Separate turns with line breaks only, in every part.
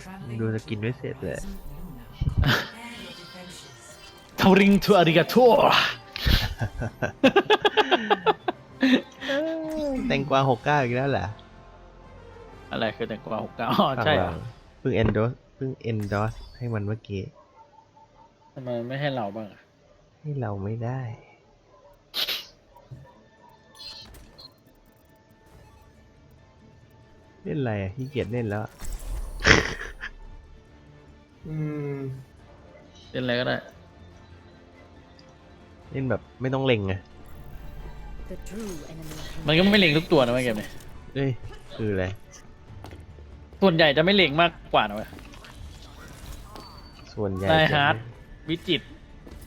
ดูสกินไม่เสร็จเลย
ทาริงทูอาริกาโต
แตงกวา69อีกแล้วเหรอ
อะไรคือแต่งกว่า69อ๋อใช่เหรอ
เพิ่ง endorse ให้มันเมื่อกี้
ทำไมไม่ให้เราบ้างอะ
ให้เราไม่ได้ เล่นอะไรอ่ะขี้เกียจเล่นแล้ว
เล่นอะไรก็ได้
เล่นแบบไม่ต้องเล็งไง
มันก็ไม่เล็งทุกตัวนะเว้ยเกมนี้
เอ้ย คืออะไร
ส่วนใหญ่จะไม่เล็งมากกว่านะเว้ย
ส่วนใหญ่
นาย
จะ
ฮาร์ดวิจิตร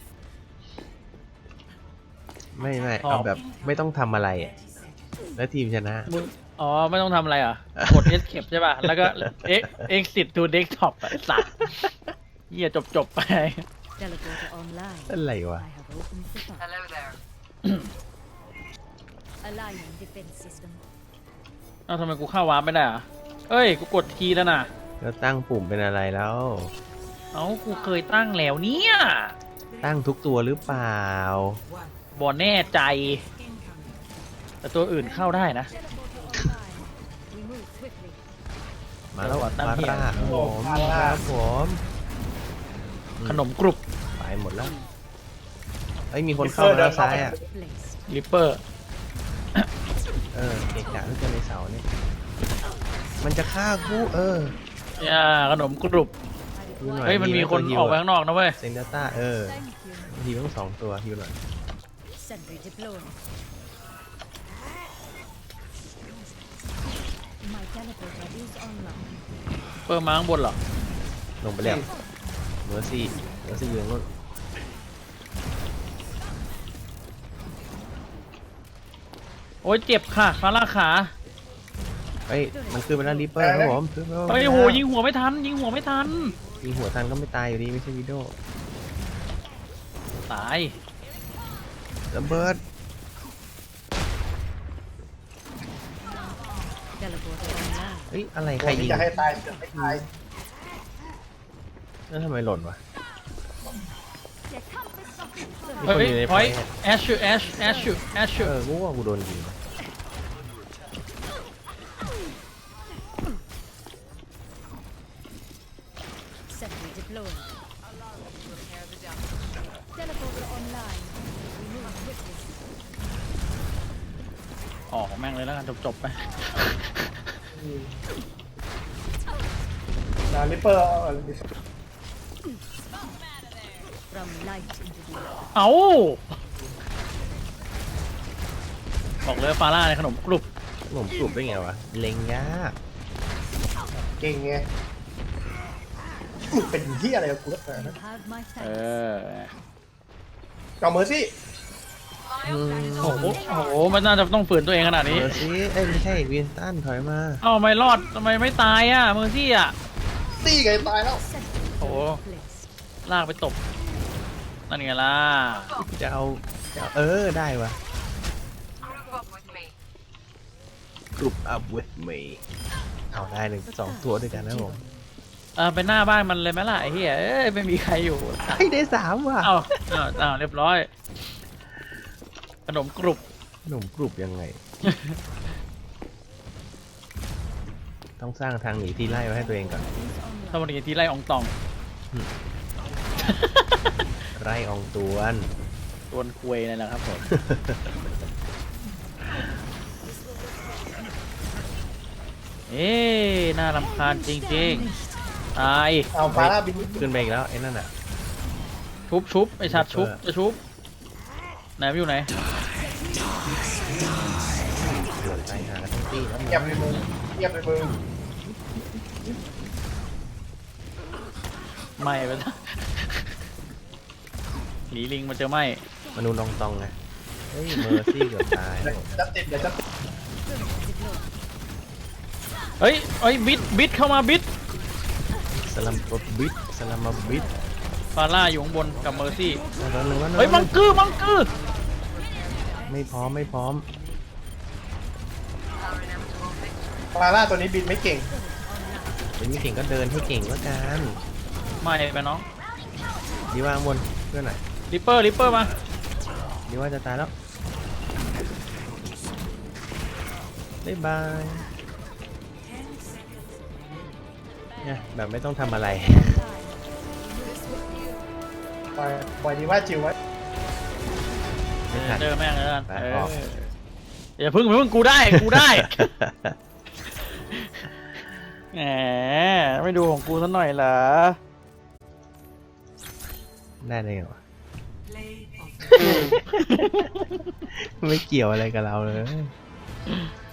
ไม่
ชอบ
เอาแบบไม่ต้องทำอะไรอ่ะ แล้วทีมชนะ
มึงอ๋อไม่ต้องทำอะไรอ่ะกด escape ใช่ป่ะ แล้วก็ exit to desktop อ่ะไอ้สัตว์เหี้ยจบไป
Teleporter online.
อะไรวะ
I have opened the file.
Hello there.
Aligning defense system.
เอ้าทำไมกูเข้าวาร์ปไม่ได้อ่ะเอ้ย กูกดทีแล้วนะ
แล้วตั้งปุ่มเป็นอะไรแล้ว
เอ้ากูเคยตั้งแล้วเนี่ย
ตั้งทุกตัวหรือเปล่า
บอแน่ใจ แต่ตัวอื่นเข้าได้นะ
Teleporter online. We move swiftly.
มาแล้ว
ตั้ง
ฟา
เหี้ย
ร่าครับผมครับผม
ขนมกรุบ
ไปหมดแล้วเอ้ยมีคนเข้ามาแล้วซ้ายอ่ะ
Placed.
ริปเปอร์
เกะกะที่เจอในเสาเนี่ย มันจะฆ่ากู
ย่าขนมกรุบ
ฮิวหน่อย
เฮ้ย มันมีคน
ตัวฮิว
ออกไปข้างนอกนะเว้ย
เซนเดต้า
Thank you.
ฮิวต้อง2 ตัวฮิวหน่อย
Sentry deployed. My teleporter is online.
เปอร์มาข้างบนเหรอ
ลงไปแล้วเมอร์ซี่อยู่ตรงนู้น
โอ้ยเจ็บค่ะฟาร่าขา
เฮ้ยมันขึ้นไปแล้วริปเปอร์ครับผมขึ้นไปแล้ว
เฮ้ยโหยิงหัวไม่ทัน ยิงหัวไม่ทัน
ยิงหัวทันก็ไม่ตายอยู่ดีไม่ใช่วิดีโอ
ตาย
ระเบิด
Teleporter online.
เฮ้ยอะไรใครยิง
จะให้ตายจะไม่ตาย
แล้วทำไมหล่นวะ มี
เฮ้
คน
ย
อยู่ในไฟ
เฮ้ย
อะ
แอชชูแอชชู
กูว่ากูโดนยิง
Sentry deployed. Teleporter online. We move swiftly.
ออกแม่งเลยแล้วกันจบไป
นาลิปเปอร์
From light into the
เอา บอกเลยฟาร่าในขนมกรุบ
ผมกลุ่มได้ไงวะ เล็งยาก
เก่งไงมึงเป็นที่อะไรกับกูนักหนา
You
นะ
have my
เอ
thanks.
อ
เอาเมอร์ซี่
โอ้โหโอ้โห มันน่าจะต้องฝืนตัวเองขนาดนี้
เมอร์ซี่เอ้ยไม่ใช่วินสตันถอยมา
เอ้าไม่รอดทำไมไม่ตายอ่ะเมอร์ซี่อ่ะ
ตีไงตายแล้ว
Sentry
โอ้โห
placed.
ลากไปตบ นั่นไงล่ะ
จะเอาได้วะ
Group up with me.
กลุ่ม up with me เอาได้2 ตัวด้วยกันนะผม
ไปหน้าบ้านมันเลยไหมล่ะไอ้เหี้ยเอ้ยไม่มีใครอยู่
เฮ้ยได้3ว่ะ
เอ้าเรียบร้อย ขนมกรุบ
ขนมกลุ่มยังไง ต้องสร้างทางหนีที่ไล่ไว้ให้ตัวเองก่อน
ถ้าวันนี้ที่ไล่อองตอง
ไล่อองตวน
ตวนคุยนั่นแหละครับผม เอ๊น่ารำคาญจริงๆ ตาย
เอาฟาร่าบิน
ขึ้นไปอีกแล้วไอ้นั่นอ่ะ
ชุบไอชัดชุบจะชุบไหนมันอยู่ไหน
เดือดตายหาทั้งตี้แล้ว
เงียบเลยมึงเงียบเลยมึง
ไม่ไปแล้วหลีลิงมาเจอไม่
มนุษย์ลองตองไงเฮ้ยเมอร์ซี่เกือบตายแล้วผม
จะติดเดี๋ยวจะ
เฮ้ยบิดเข้ามาบิด
สลัมบบิดสลัมบบิด
ฟาร่าอยู่ข้างบนกับเมอร์ซี่
แล้วนึงแล้ว
เฮ้ยมังกือ
ไม่พร้อม
ฟาร่าตัวนี้บินไม่เก่ง
เป็นไม่เก่งก็เดินให้เก่งแล้วกัน
ไม่ไปน้อง
ดีว่าข้างบนเพื่อนหน่อย
ริปเปอร์มา
ดีว่าจะตายแล้วบ๊ายบายเนี่ยแบบไม่ต้องทำอะไร
ปล่อยดีว่าจิ๋วไว้
ไม่ทัน
เจอแม่งแล้วกัน
ไป
เอ
อ
อ
อก
อย่าพึ่งกูได้แหมไม่ดูของกูสักหน่อยเหรอ
ได้เลยเหรอวะ ไม่เกี่ยวอะไรกับเราเลย